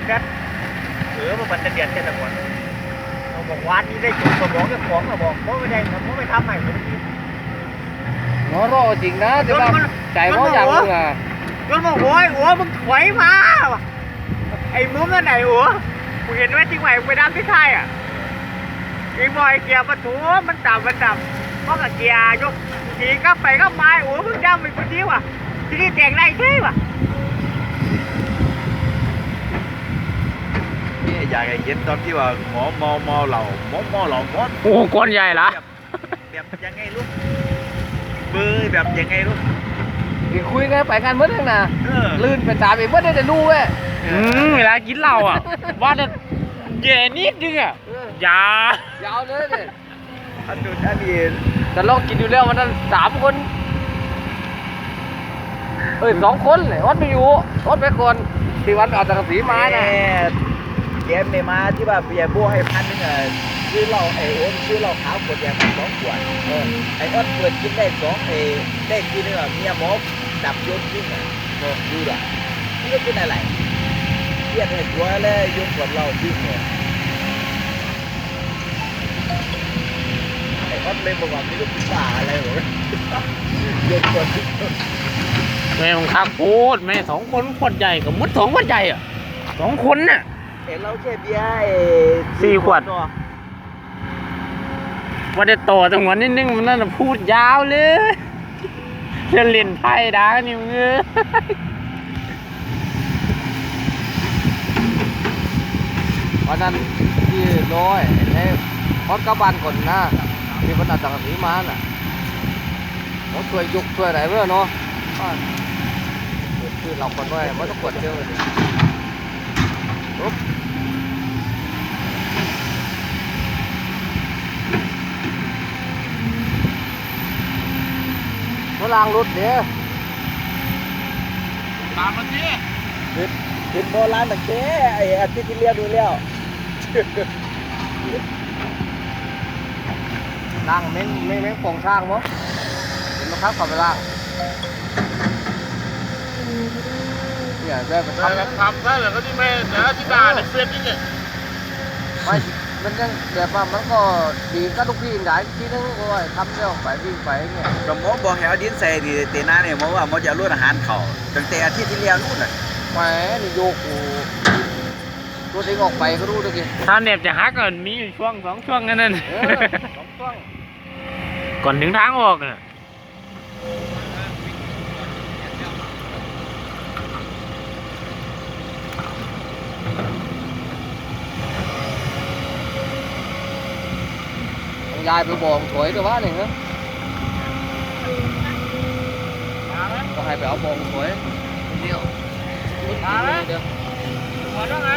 กันมันจะเดือดแค่ตะวันเราบอกวานนี้ได้จุดสมองเจ้าของเราบอกเพราะไม่ได้เพราะไม่ทำใหม่ผมกิน nó rõ chính đó thì mà chạy có dặn luôn à จนบอกโอ้ยหัวมึงถอยมาไอ้มุ้งนั่นไหนหัวมึงเห็นไหมที่ไหนไปดำที่ไทยอ่ะไอ้บอยเกียร์ประตูมันต่ำเพราะกับเกียร์ยกขี่ก็ไปก็มาหัวมึงดำไปคนเดียวอ่ะที่นี่แต่งได้ใช่ป่ะนี่อยากให้เห็นตอนที่ว่าหมอเมาเหล่าหมอเหล่าหมอโอ้conใหญ่ละแบบยังไงลูกเบอร์แบบยังไงลูก thì khui ngay phải ngàn mất thằng nào เออลื่นไปตามไปmấtได้แต่รู้เว้ยเวลากินเหล้าอ่ะว่าจะแย่นิดนึงอ่ะอย่ายาวเลยเนี่ยอันนู้นอันนี้แต่ลองกินอยู่แล้วมันนั่น3 คน2 คนเลยวัดไม่อยู่วัดไปก่อนที่วันเอาตะกสีมานะแกไม่มาที่ว่าเบียร์บัวให้1,000อ่ะซื้อเหล้าไอ้โอนซื้อเหล้าขาวขวดแดงมา2 ขวดไอ้อ้นเปิดกินได้ได้ทีนึงอ่ะเมียหมอดับยศทิ้งอ่ะบอกดูอ่ะนี่ก็เป็นอะไรเครียดให้ตัวเลยยศขวดเหล้าทิ้งเลยไอ้อ้นเลยบอกว่าไม่รู้เป็นบ้าอะไรหรอยศขวดทิ้งแม่ของข้าโคตรแม่2 คนขวดใหญ่กับมุด2 ขวดใหญ่อ่ะ2 คนน่ะเห็นเราแค่เบียร์ 4 ขวดเนาะว่าจะต่อจังหวะนิดนึงมันนั่นพูดยาวเลยจะเล่นไพ่ด่านี่มึงวันนั้นที่ร้อยไอ้ฮอตกระบาลก่อนนะที่วันเอาตะกสีมาน่ะเขาช่วยยกช่วยอะไรเพื่อเนาะคือเราคนด้วยมันต้องกดเดียวเลยปุ๊บมาล้างรถเดี๋ยวตามมาสิเห็นโบราณตั้งแต่ไอ้อาทิตย์ที่เรียนดูแล้วล้างเม้งโป่งช่างมั้งเห็นไหมครับขับไปล้างเนี่ยได้ไปทำทำได้เหรอก็ที่แม่นะที่ด่าในเฟซนี่เนี่ยไม่มันยังแบบว่ามันก็ดีก็ทุกที่ได้ที่นึงก็ว่าทำเรื่องไปวิ่งไปเนี่ยก็หมอบอกให้เอาดินใส่ดีเตน่าเนี่ยหมอว่าหมอจะลดอาหารเขาตั้งแต่อาทิตย์ที่แล้วนู่นน่ะแหมนี่โยกกูตัวเองออกไปก็รู้ด้วยกิถ้าเน็บจะฮักก่อนมีอยู่ช่วง2 ช่วงนั่น 2 ช่วงก่อนถึงทางออกน่ะยายไปบอกถอยด้วยวะนี่ฮะก็ให้ไปเอาบองถอยเดียวเดี๋ยวขอต้องนะ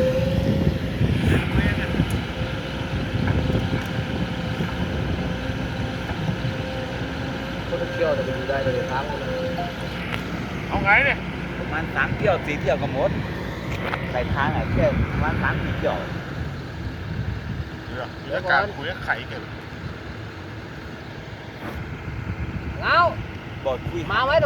คนเที่ยวแต่ไปดูได้เลยทางเลยเอาไงเนี่ยประมาณ3 เที่ยว 4 เที่ยวก็หมดใส่ทางอ่ะแค่ประมาณ3 4 เที่ยวเดี๋ยวการคุยกับไข่กันเอาบอกคุยมาไหม